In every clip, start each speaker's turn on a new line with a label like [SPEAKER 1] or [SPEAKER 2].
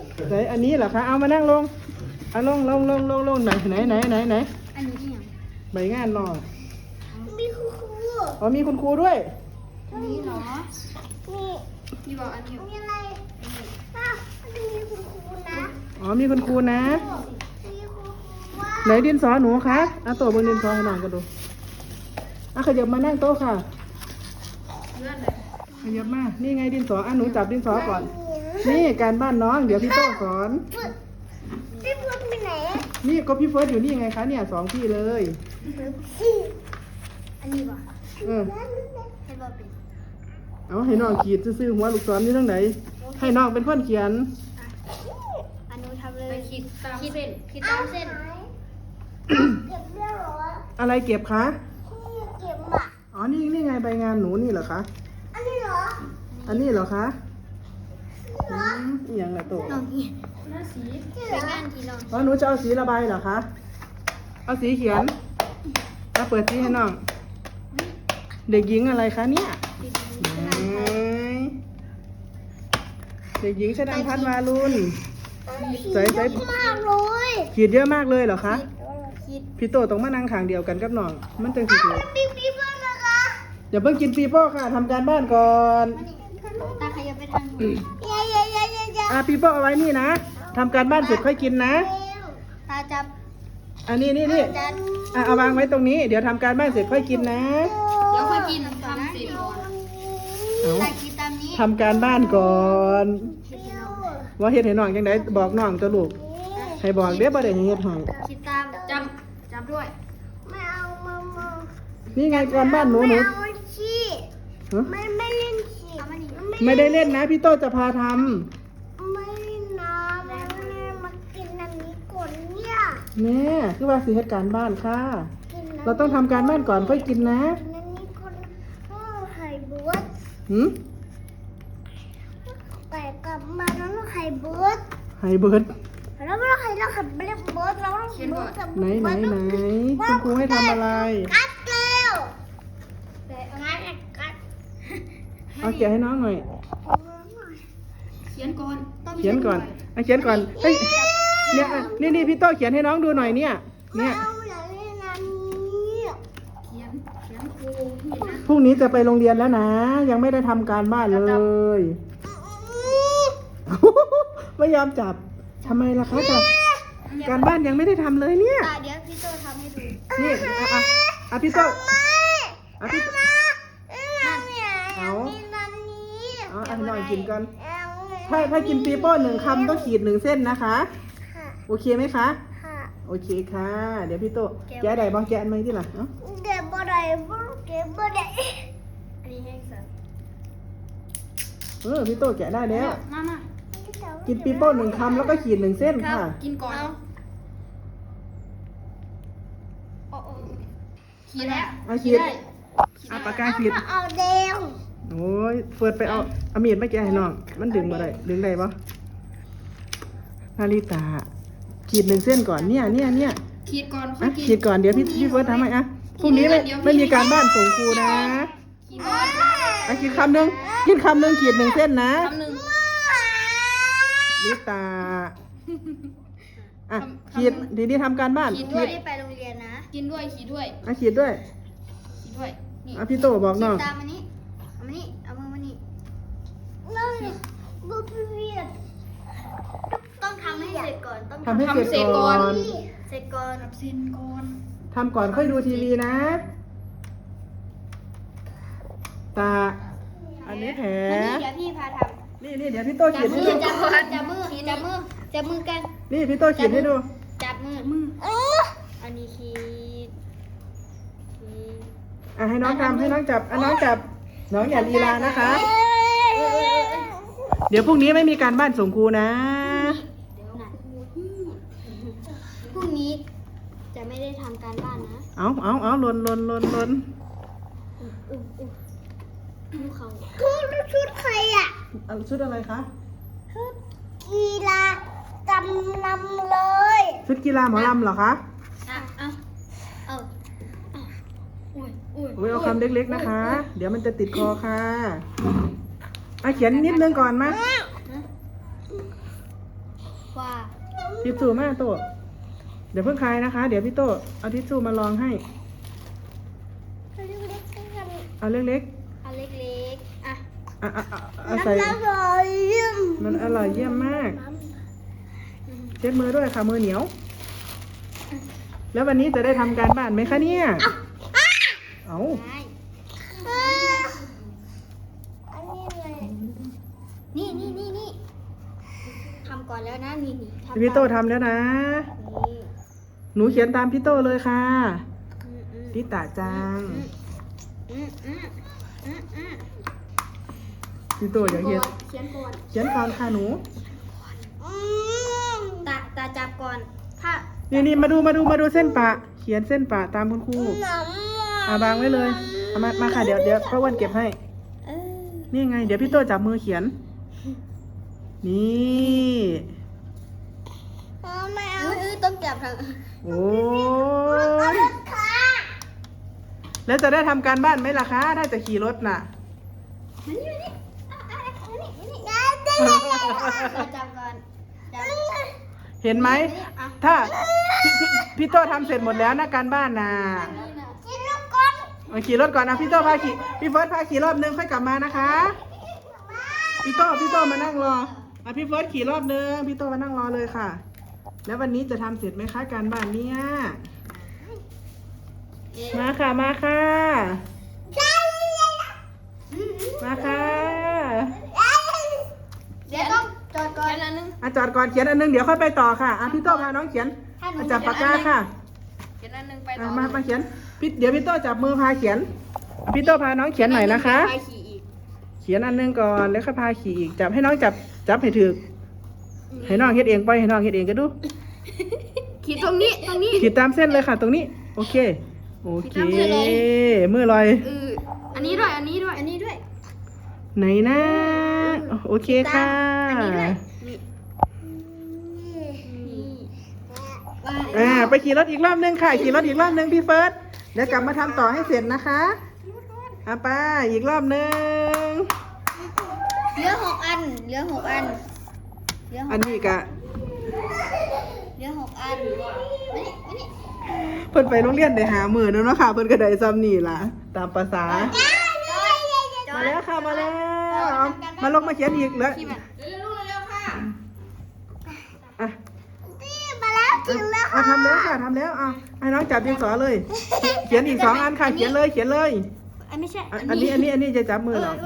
[SPEAKER 1] ไหนอันนี้เหรอคะเอามานั่งลงเอาลงไหนอันนี้ยังใบงานรอ
[SPEAKER 2] มีครู
[SPEAKER 1] อ๋อมีคุณครูด้วย
[SPEAKER 2] อันนี้เหรอนี่บอกอันนี้มีอะไรมันมีคุณครูนะ
[SPEAKER 1] อ๋อมีคุณครูนะ
[SPEAKER 2] มีคุณครูว่า
[SPEAKER 1] ไหนดินสอหนูคะเอาตัวบนดินสอให้น้องกันดูขยับมานั่งโต๊ะค่ะขยับมานี่ไงดินสอหนูจับดินสอก่อนนี่การบ้านน้องเดี๋ยวพี่โต้สอน
[SPEAKER 2] พี่พูดไปไหน
[SPEAKER 1] นี่ก็พี่เฟิร์สอยู่นี่ไงคะเนี่ย2ที่เลย
[SPEAKER 2] อันนี้บอกให้บอกเป็น
[SPEAKER 1] เอาให้น้องขีดซื่อหัวลูกศรนี่ทั้งไหนให้น้องเป็นคนเขียน
[SPEAKER 2] อันนู้นทำเลยขีดตามเส้นเก็บเรื่องหรอ
[SPEAKER 1] อะไรเก็บคะ
[SPEAKER 2] เก็บอ่ะ
[SPEAKER 1] อ๋อนี่ไงใบงานหนูนี่เหรอคะ
[SPEAKER 2] อันนี้เหรอ
[SPEAKER 1] คะอย่างไรตัว
[SPEAKER 2] น้องนี่หน้าสีใบงานที่น้อง
[SPEAKER 1] อ๋อหนูจะเอาสีระบายเหรอคะเอาสีเขียนเอาเปิดสีให้น้องเด็กหญิงอะไรคะเนี่ยเด็กหญิงชนันพัฒน์วารุณใส่
[SPEAKER 2] มากเลย
[SPEAKER 1] ขีดเยอะมากเลยเหรอคะพี่โตต้องมานั่งขางเดียวกันกับน้องมันจังสิถูก
[SPEAKER 2] ปีโป้นะคะ
[SPEAKER 1] อย่าเพิ่งกินปีโป้ค่ะทำการบ้านก่อน
[SPEAKER 2] ตาขยับไปทางนู้น
[SPEAKER 1] ปีโป้เอาไว้นี่นะทำการบ้านเสร็จค่อยกินนะ
[SPEAKER 2] ตาจับ
[SPEAKER 1] อันนี้เอาวางไว้ตรงนี้เดี๋ยวทำการบ้านเสร็จค่อยกินนะ
[SPEAKER 2] เดี๋ยวค่อยกินทำสิ
[SPEAKER 1] ทำการบ้านก่อนว่าเฮ็ดให้น้องจังไดบอกน้องตัวลูกให้บอกเด้อบ่ได้ให้เฮ็ดให้
[SPEAKER 2] คิดตามจับด้วยไม่เอามา
[SPEAKER 1] นี่ไงการบ้านหนู
[SPEAKER 2] ไม่เอาขี้ไม่เล่นขี้
[SPEAKER 1] ไม่ได้เล่นนะพี่โตจะพาท
[SPEAKER 2] ำไม่นะแม่มากินอันนี้ก่อนเนี่ย
[SPEAKER 1] แม่คือว่าสิเฮ็ดการบ้านค่ะเราต้องทำการบ้านก่อนค่อยกินนะ
[SPEAKER 2] อันนี้คนไข่เบิร์ดแต่กลับมาแล้วไข่เบิร์ดแล้วเราไข่เบิร์ดเราต้องเบิร์ดกับ
[SPEAKER 1] ไหนคุณครูให้ทำอะไร
[SPEAKER 2] กัดเร็วแต่กัด
[SPEAKER 1] เอาเขียนให้น้องหน่อย
[SPEAKER 2] เขียนก่อน
[SPEAKER 1] เฮ้ยเนี่ยนี่พี่โต้เขียนให้น้องดูหน่อยเนี่ยพรุ่งนี้จะไปโรงเรียนแล้วนะยังไม่ได้ทำการบ้านเลยไม่ยอมจับทำไมล่ะคะจับการบ้านยังไม่ได้ทำเลยเนี่ย
[SPEAKER 2] เดี๋ยวพี่โตทำให้ดู
[SPEAKER 1] นี่พี่โต้
[SPEAKER 2] พี่
[SPEAKER 1] เอาให้น้องกินกันถ้ากินปีโป้1 คำต้องขีด1 เส้นนะคะโอเคไหมคะโอเคค่ะเดี๋ยวพี่โต้แกะได้บ้างแกะไหมที่หลัง
[SPEAKER 2] แกะบ่ได้อันนี้แห้งสั
[SPEAKER 1] ตว์พี่โต้แกะได้แล้ว
[SPEAKER 2] มา
[SPEAKER 1] กินปีโป้1 คำแล้วก็ขีด1 เส้นค่ะ
[SPEAKER 2] กินก่อนขีดแล้ว
[SPEAKER 1] ขีดปากกาขีด
[SPEAKER 2] เอาแดง
[SPEAKER 1] โอ้ยเปิดไปเอามีดไม่แกะให้น้องมันดึงมาได้ปะนาริตาขีด1 เส้นก่อนเนี่ย
[SPEAKER 2] ขีดก่อน
[SPEAKER 1] ขีดก่อนเดี๋ยวพี่เฟิร์สทำให้พรุ่งนี้ไม่มีการบ้านส่งครูนะกินคำหนึ่งขีด1 เส้นนะลิตาขีดทีนี้ทำการบ้าน
[SPEAKER 2] ขีดด้วยไปโรงเรียนนะกินด้วยขีดด้วย
[SPEAKER 1] ขีดด้วยนี่พี่โตบอกน้อง
[SPEAKER 2] ตามมานี่เอามือมานี่น้องบุพเพต้องทำให้เสร็จก่อน
[SPEAKER 1] ทำให้เสร็จก่อนทำก่อนค่อยดูทีวีนะตาอันนี้แผล
[SPEAKER 2] เดี๋ยวพี่พาทำ
[SPEAKER 1] นี่เดี๋ยวพี่โตขีดให้ดู
[SPEAKER 2] จับมือกัน
[SPEAKER 1] นี่พี่โตขีดให้ดู
[SPEAKER 2] จับมืออันนี้ขีด
[SPEAKER 1] ให้น้องทำให้น้องจับน้องอย่าลีลานะคะเดี๋ยวพรุ่งนี้ไม่มีการบ้านส่งครูนะ
[SPEAKER 2] พรุ่งนี้จะไม่ได้ทำการบ้านนะ
[SPEAKER 1] เอาลน
[SPEAKER 2] ชุดใครอ่ะ
[SPEAKER 1] ชุดอะไรคะ
[SPEAKER 2] ชุดกีฬากำลำเลย
[SPEAKER 1] ชุดกีฬาหมอลำเหรอคะเอาคำเล็กๆนะคะเดี๋ยวมันจะติดคอค่ะเขียนนิดนึงก่อนมา
[SPEAKER 2] ว่า
[SPEAKER 1] ทิชชู่มาโตเดี๋ยวเพิ่งคลายนะคะ เดี๋ยวพี่โตเอาทิชชู่มาลองให้ เอาเล็ก
[SPEAKER 2] อันเล็กๆอ่ะ
[SPEAKER 1] ๆเอาใส่มันอร่อยเยี่ยมมากเช็ดมือด้วยค่ะมือเหนียว แล้ววันนี้จะได้ทำการบ้านไหมคะเนี่ยเอา
[SPEAKER 2] ได้นี่ทำก่อนแล้วนะนี่ทำ
[SPEAKER 1] พี่โตทำแล้วนะ
[SPEAKER 2] นี่
[SPEAKER 1] หนูเขียนตามพี่โตเลยค่ะ
[SPEAKER 2] อืม
[SPEAKER 1] พี่ตาจัง
[SPEAKER 2] อืม
[SPEAKER 1] พี่โตอยากเขียน
[SPEAKER 2] เขียนก่อน
[SPEAKER 1] เขียนก่อนค่ะหนู
[SPEAKER 2] ตาจับก่อนถ้า
[SPEAKER 1] นี่มาดูเส้นปะ เขียนเส้นปะตามคุณครูบางไว้เลยเอามาค่ะเดี๋ยวป้าอ้วนเก็บให้ นี่ไง เดี๋ยวพี่โตจับมือเขียน นี่
[SPEAKER 2] ต้องจับทาง
[SPEAKER 1] โอ้ยแล้วจะได้ทำการบ้านไหมล่ะคะ ถ้าจะขี่รถน่ะ
[SPEAKER 2] จับก่อนจับ
[SPEAKER 1] เห็นไหม ถ้าพี่โตทำเสร็จหมดแล้วนะการบ้านน่ะมาขี่รถก่อนนะพี่โตพาขี่พี่เฟิร์สพาขี่รอบนึงค่อยกลับมานะคะ พี่โตมานั่งรอพี่เฟิร์สขี่รอบนึงพี่โตมานั่งรอเลยค่ะ แล้ววันนี้จะทำเสร็จไหมคะการบ้านเนี่ยมาค่ะมาค่ะ
[SPEAKER 2] เดี๋ยวต้องจอดก่อนอันนึง
[SPEAKER 1] จอดก่อนเขียนอันนึงเดี๋ยวค่อยไปต่อค่ะพี่โตพาน้องเขียนจับปากกาค่ะ
[SPEAKER 2] เขียนอันนึงไปต่อ
[SPEAKER 1] มาเขียนเดี๋ยวพี่โตจับมือพาเขียนพี่โตพาน้องเขียนหน่อยนะคะ เขียนอันนึงก่อนแล้วค่อยพาขี่อีกจับให้น้องจับให้ถือให้น้องเฮ็ดเองไปให้น้องเฮ็ดเองก็ดู
[SPEAKER 2] ขีดตรงนี้
[SPEAKER 1] ขีดตามเส้นเลยค่ะตรงนี้โอเคมือลอย
[SPEAKER 2] อันนี้ด้วย
[SPEAKER 1] ไหนนะโอเคค่ะไปขี่รถอีกรอบนึงค่ะขี่รถอีกรอบนึงพี่เฟิร์สเดี๋ยวกลับมาทำต่อให้เสร็จนะคะไปอีกรอบนึง
[SPEAKER 2] เหลือ6 อัน
[SPEAKER 1] อันนี้กะ
[SPEAKER 2] เหลือ6 อันมานี่
[SPEAKER 1] เพิ่นไปโรงเรียนได้หามื้อนึงเนาะค่ะเพิ่นก็ได้ซ้ำนี่ล่ะตามภาษามาแล้วค่ะมาแล้วมาลงมาเขียนอีกแล้วทำแล้วค่ะทำแล้วให้น้องจับดินสอเลย เขียนอีก2 อันค่ะเขียนเลย
[SPEAKER 2] ไม่ใช่
[SPEAKER 1] อันนี้จะจับมือเรา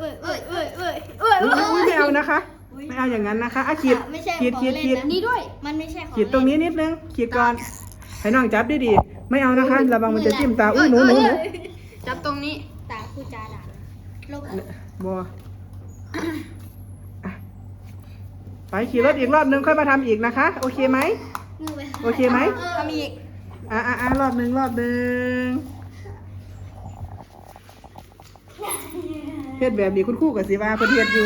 [SPEAKER 1] ไม่เอานะคะไม่เอาอย่างนั้นนะคะขีด
[SPEAKER 2] นี่ด้วยมันไม่ใช่ของ
[SPEAKER 1] ขีดตรงนี้นิดนึงขีดก่อนให้น้องจับดีๆไม่เอานะคะระวังมันจะจิ้มตาหนู
[SPEAKER 2] จับตรงนี้ตาคู่จาด่าลบ
[SPEAKER 1] บัวไปขี่รถอีกรอบนึงค่อยมาทำอีกนะคะโอเคไหมโอเคไหม
[SPEAKER 2] ทำอีก
[SPEAKER 1] รอบนึงเฮ็ดแบบนี้คุณครูกับสิว่าเพิ่นเฮ็ดอยู่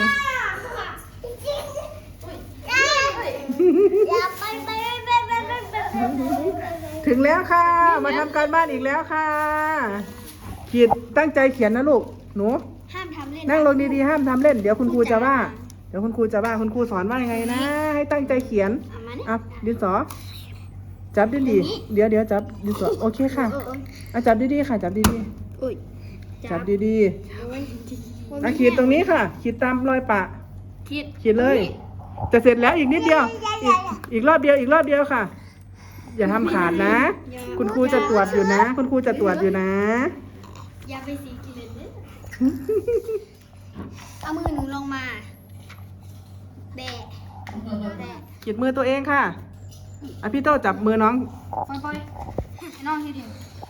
[SPEAKER 1] ถึงแล้วค่ะมาทำการบ้านอีกแล้วค่ะขีดตั้งใจเขียนนะลูกหนู
[SPEAKER 2] ห้ามทำเล่น
[SPEAKER 1] นั่งลงดีๆห้ามทำเล่นเดี๋ยวคุณครูจะว่าคุณครูสอนว่ายังไงนะให้ตั้งใจเขียนดินสอจับดีๆเดี๋ยวจับดินสอโอเคค่ะจับดีๆค่ะจับดีๆจับดีๆขีดตรงนี้ค่ะขีดตามรอยปะขีดเลยจะเสร็จแล้วอีกนิดเดียวอีกรอบเดียวค่ะอย่าทำขาดนะคุณครูจะตรวจอยู่นะ
[SPEAKER 2] อย่าไปสีกิเลสเลยเอามือหนูลงมาแบะ
[SPEAKER 1] ขีดมือตัวเองค่ะพี่โตจับมือน้อง
[SPEAKER 2] ปล่อยน้องทีเดียว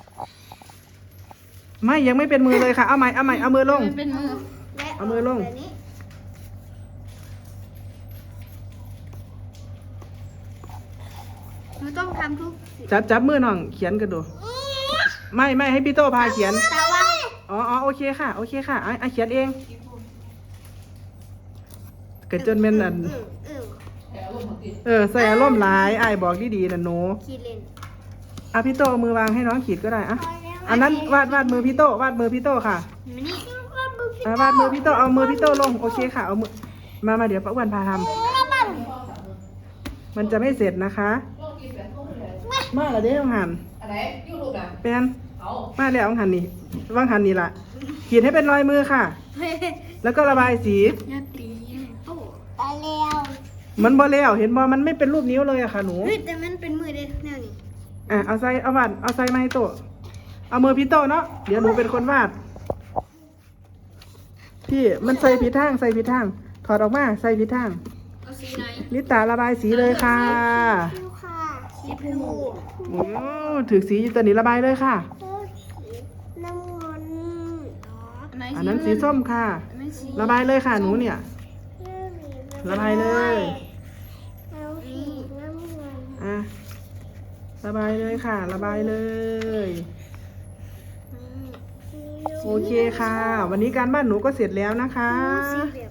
[SPEAKER 1] ไม่ยังไม่เป็นมือเลยค่ะเอาใหม่เอามือลง
[SPEAKER 2] เป็นมือ
[SPEAKER 1] เอามือลง
[SPEAKER 2] หนูต้องทำทุก
[SPEAKER 1] จับมือน้องเขียนกันดูไม่ให้พี่โตพาเขียนโอเคค่ะเขียนเองเกิดจนเป็นใส่อารมณ์ร้ายบอกดีๆนะหนู
[SPEAKER 2] ขีดเลน
[SPEAKER 1] พี่โตเอามือวางให้น้องขีดก็ได้อันนั้นวาดมือพี่โตค่ะวาดมือพี่โตเอามือพี่โตลงโอเคค่ะเอามือมาเดี๋ยวป้าอ้วนพาทำมันจะไม่เสร็จนะคะ มาแล้วเด้อวังหัน
[SPEAKER 3] อะไรยูทูบนะ
[SPEAKER 1] เป็น
[SPEAKER 3] เอา
[SPEAKER 1] มาแล้ววังหันนี่วังหันนี่ล่ะขีดให้เป็นรอยมือค่ะ แล้วก็ระบายสี
[SPEAKER 2] อย่าตีโอ้ตายแล้ว
[SPEAKER 1] มันบ่แล้วเห็นบ่มันไม่เป็นรูปนิ้วเลยอะค่ะหนู
[SPEAKER 2] เฮ้ยแต่มันเป็นมือเด็กแนวนี้
[SPEAKER 1] เอาใส่เอาบัตรเอาใส่มาให้โตะเอามือพี่โตะเนาะเดี๋ยวหนูเป็นคนวาดพี่มันใส่ผิดทางใส่ผิดทางถอดออกมาใส่ผิดทาง
[SPEAKER 2] เอาสีไหน
[SPEAKER 1] ลิตาระบายสีเลยค่ะ
[SPEAKER 2] ดูค่ะสีผู
[SPEAKER 1] โอ้ถือสีอยู่ตัวนี้ระบายเลยค่ะ
[SPEAKER 2] น้ำเงิน
[SPEAKER 1] อันนั้นสีส้มค่ะ
[SPEAKER 2] ไม่สี
[SPEAKER 1] ระบายเลยค่ะหนูเนี่ย ระบายเลย
[SPEAKER 2] เอาสีน้ำเงิน
[SPEAKER 1] อ่ะระบายเลยค่ะ ระบายเลย โอเคค่ะ วันนี้การบ้านหนูก็เสร็จแล้วนะคะ
[SPEAKER 2] สีเหลื